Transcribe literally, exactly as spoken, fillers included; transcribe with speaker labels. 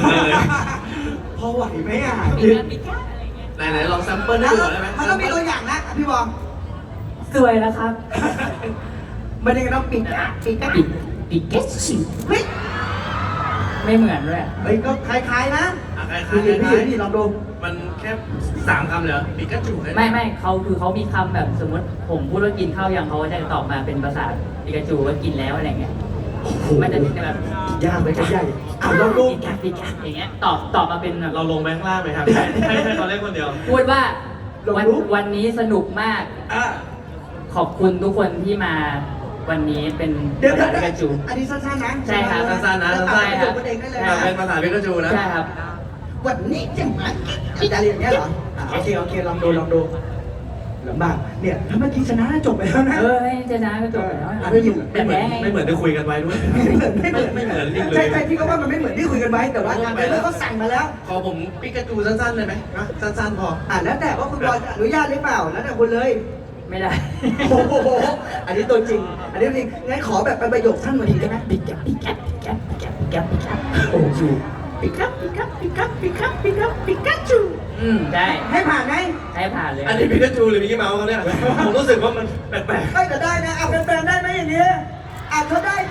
Speaker 1: พอไหวไหมอ่ะ
Speaker 2: ปิกาปิกาอะไรเงี้ย
Speaker 3: ไหนๆลองแซมเปิลให้
Speaker 1: แล้ว
Speaker 3: ดูหน่อยได้ไหม
Speaker 1: มันต้องมีตัวอย่างนะพี่บอล
Speaker 2: สวยแล้วครับ
Speaker 1: มันยังไงต้องปิดอ่ะปิดก็ปิด
Speaker 2: ปิกาชิ
Speaker 1: เฮ้ย
Speaker 2: ไม่เหมือนด้วย
Speaker 1: เฮ้ยก็คล้ายๆนะ
Speaker 3: อ่ะคล้าย
Speaker 1: คือ
Speaker 3: ๆค
Speaker 1: พี่
Speaker 3: ล้าย
Speaker 1: พี่ลองดู
Speaker 3: ๆมันแค่สามคำเลยเหรอปิกาจู
Speaker 2: ไม่ไม่เขาคือเขามีคำแบบสมมติผมพูดว่ากินข้าวยังเขาจะตอบมาเป็นภาษาปิกาจูว่ากินแล้วอะไรเงี้ยมันจะแบบ
Speaker 1: ยากเลยก็ยากอ่ะลองดู
Speaker 2: ปิกาปิกาอย่างเงี้ยตอบตอบมาเป็นแบบ
Speaker 3: เราลงแบงค์ล่างไหมครับให้ให้เขาเล่นคนเดียว
Speaker 2: พูดว่าวันวันนี้สนุกมาก
Speaker 1: อ่ะ
Speaker 2: ขอบคุณทุกคนที่มาวันนี้เป็น
Speaker 1: เดี๋ยว
Speaker 2: ภา
Speaker 1: เดี๋ยว
Speaker 2: ษาปิกาจู
Speaker 1: อันนี้สั้นๆนะ
Speaker 2: ใช่ครับ
Speaker 3: สั้นๆนะสั้นๆ
Speaker 1: ใช่ครับเองได้เลย
Speaker 3: แต่
Speaker 1: นะ
Speaker 3: เป็นภาษาปิกาจูนะ
Speaker 2: ใช่ครับ
Speaker 1: วันนี้จะมากินอะไรอย่างเงี้ยเหรออ่ะโอเคโอเคลองดูลองดูลำบากเนี่ยถ้าเมื่อกี้ชนะจบไปแล้วนะ
Speaker 2: เออให้เจนะก็จบแล้ว
Speaker 1: ไม่อยู่
Speaker 2: แต่
Speaker 3: ไม่เหมื
Speaker 2: แพ้
Speaker 3: อน
Speaker 2: ไง
Speaker 3: ไม่เหมือนที่คุยกันไว้ด้วย
Speaker 1: ไม่เหมือนไม่เหมือน
Speaker 3: ไม่เหมือนจริงเลย
Speaker 1: ใช่ใช่พี่ก็ว่ามันไม่เหมือนที่คุยกันไว้แต่ว่าทางเดินเขาสั่งมาแล้ว
Speaker 3: ขอผมปิกาจูสั้นๆเลยไหมนะสั้นๆพอ
Speaker 1: อ่ะแล้วแต่ว่าคุณบอลจะอนุญาตหรือเปล่าแล้วแต่คุณเลย
Speaker 2: ไม่ได้
Speaker 1: โอ้โหอันนี้ตัวจริง อันนี้จริงงั้นขอแบบเป็นประโยคสั้นมาทีได้ไหม
Speaker 2: ปิกาปิกาปิกาปิกาปิกาปิกา
Speaker 1: โอ้โห
Speaker 2: ปิกาปิกาปิกาปิกาปิกาปิกาจูอืมได้
Speaker 1: ให้ผ่านไหม
Speaker 2: ให้ผ่านเลย
Speaker 3: อันนี้ปิกาจูหรือมิกกี้เมาส์เขาเนี่ยผมรู้สึกว่ามันแปลก
Speaker 1: ไม่แต่ได้นะเอาแฟนๆได้ไหมอย่างนี้อ่ะเขาได้